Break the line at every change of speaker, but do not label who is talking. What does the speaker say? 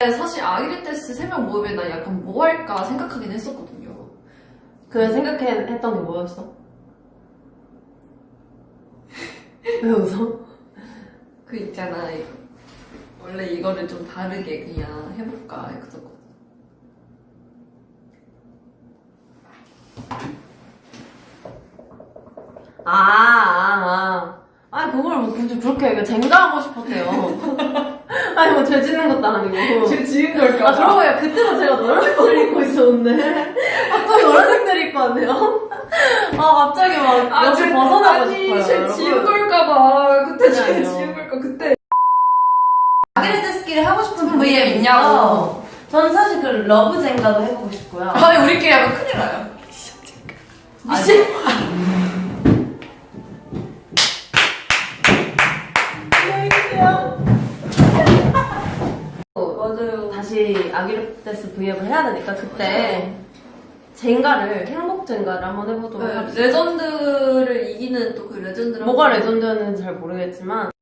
사실 아기레테스 3명 모임에 나 약간 뭐 할까 생각하긴 했었거든요.
그 생각했던 게 뭐였어? 왜 웃어?
그 있잖아. 원래 이거를 좀 다르게 그냥 해볼까 했었거든.
아니, 그걸 뭐 굳이 그렇게 쟁가하고 싶었대요. 아니, 뭐, 죄 짓는 것도 아니고.
제가 지은 걸까?
아, 그러고 보니까 그때도 제가 노란색들 입고 있었는데. 갑자기 노란색들 입고 왔네요. 갑자기 막, 옆을 벗어나고 싶어요.
아니, 제
여러분.
지은 걸까봐. 그때 제
아니요.
지은 걸까, 그때.
아기레테스끼리 하고 싶은
VM 있냐고.
저는 사실 그 러브 젠가도 해보고 싶고요.
아니, 우리끼리 하면 큰일 나요.
미친.
맞아요.
다시 아기레테스 V앱을 해야 되니까 그때 젠가를 행복 젠가를 한번 해보도록
네,
합시다.
레전드를 이기는 또 그 레전드를
뭐가 레전드였는지 잘 모르겠지만